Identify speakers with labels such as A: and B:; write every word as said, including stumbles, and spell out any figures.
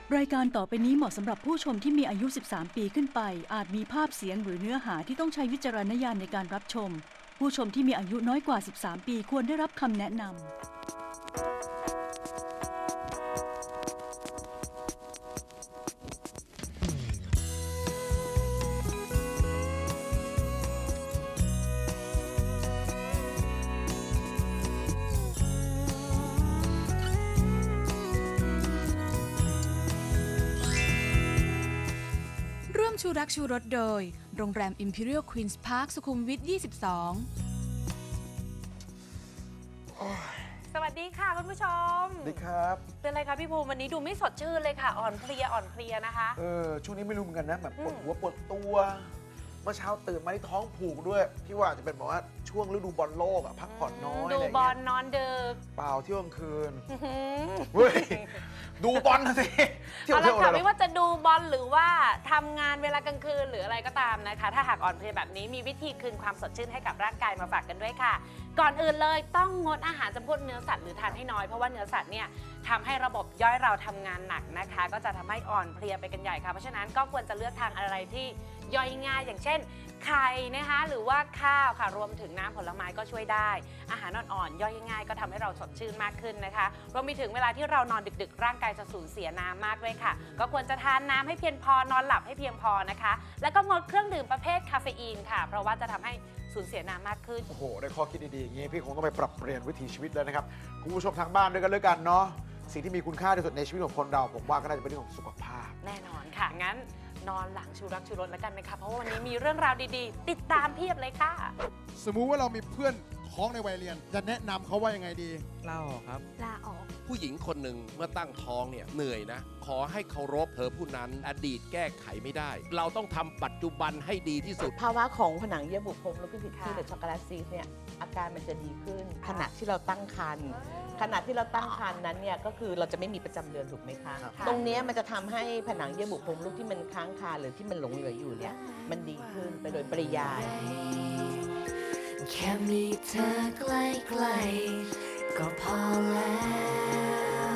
A: รายการต่อไปนี้เหมาะสำหรับผู้ชมที่มีอายุ สิบสาม ปีขึ้นไป อาจมีภาพเสียงหรือเนื้อหาที่ต้องใช้วิจารณญาณในการรับชม ผู้ชมที่มีอายุน้อยกว่า สิบสาม ปีควรได้รับคำแนะนำ
B: ร่วมชูรักชูรสโดย โรงแรม Imperial Queen's Park สุขุมวิท ยี่สิบสอง
C: สวัสดีค่ะคุณผู้ชม
D: สวัสดีครับ
C: เป็นไรคะพี่ภูมิวันนี้ดูไม่สดชื่นเลยค่ะ อ่อนเพลียอ่อนเพลียนะคะ
D: เออช่วงนี้ไม่รู้เหมือนกันนะแบบปวด
C: อืม
D: หัวปวดตัวเมื่อเช้าตื่นมาที่ท้องผูกด้วยพี่ว่าจะเป็นแบบว่าช่วงฤดูบอลโลกอะพักผ่อนน้อย
C: ดู
D: อะไร
C: บอ
D: เงี้
C: ล
D: ย
C: นอนดึก
D: เปล่าเที่ยวกลางคืน
C: อื้อหือ
D: เฮ้ยดูบอลนะสิเที่ยว
C: เอา
D: เที่
C: ละ
D: ยว
C: ค่ะ
D: อะไร
C: ไม่ว่าจะดูบอลหรือว่าทำงานเวลากลางคืนหรืออะไรก็ตามนะคะ ถ้าหากอ่อนเพลียแบบนี้มีวิธีคืนความสดชื่นให้กับร่างกายมาฝากกันด้วยค่ะ ก่อนอื่นเลยต้องงดอาหารจำพวกเนื้อสัตว์หรือทานให้น้อยเพราะว่าเนื้อสัตว์เนี่ยทำให้ระบบย่อยเราทำงานหนักนะคะ ก็จะทำให้อ่อนเพลียไปกันใหญ่ค่ะเพราะฉะนั้นก็ควรจะเลือกทานอะไรที่ย่อยง่ายอย่างเช่นไข่นะคะหรือว่าข้าวค่ะรวมถึงน้ำผลไม้ก็ช่วยได้ อาหารอ่อนๆย่อยง่ายก็ทำให้เราสดชื่นมากขึ้นนะคะรวมไปถึงเวลาที่เรานอนดึกๆ ร่างกายจะสูญเสียน้ำมากด้วยค่ะก็ควรจะทานน้ำให้เพียงพอนอนหลับให้เพียงพอนะคะแล้วก็งดเครื่องดื่มประเภทคาเฟอีนค่ะเพราะว่าจะทำให้สูญเสียน้ำมากขึ้น
D: โอ้โหได้ข้อคิดดีๆอย่างงี้พี่คงต้องไปปรับเปลี่ยนวิถีชีวิตแล้วนะครับคุณผู้ชมทางบ้านด้วยกันเลยกันเนาะสิ่งที่มีคุณค่าที่สุดในชีวิตของคนเราผมว่าก็น่าจะเป็นเรื่องของสุขภาพ
C: แน่นอนค่ะ งั้นนอนหลังชูรักชูรสแล้วกันนะคะ เพราะว่าวันนี้มีเรื่องราวดีๆ ติดตามเพียบเลยค่ะ
E: สมมุติว่าเรามีเพื่อนท้องในวัยเรียน จะแนะนำเขาว่ายังไงดี
F: ลาออกครับ
C: ลาออก
F: ผู้หญิงคนหนึ่งเมื่อตั้งท้องเนี่ยเหนื่อยนะ ขอให้เคารพเธอผู้นั้นอดีตแก้ไขไม่ได้ เราต้องทำปัจจุบันให้ดีที่สุด
G: ภาวะของผนังเยื่อบุโพรงมดลูกผิดที่
C: ค่ะ
G: หรือช็อกโกแลตซีสเนี่ยอาการมันจะดีขึ้น ขณะที่เราตั้งครรภ์ขณะที่เราตั้งครรภ์นั้นเนี่ยก็คือเราจะไม่มีประจำเดือนถูกไหมคะ
D: ครับ
G: ตรงเนี้ยมันจะทำให้ผนังเยื่อบุโพรงมดลูกที่มันค้างคาหรือที่มันหลงเหลืออยู่เนี่ยมันดีขึ้นไปโดยปริยาย
H: แค่มีเธอใกล้ๆก็พอแล้ว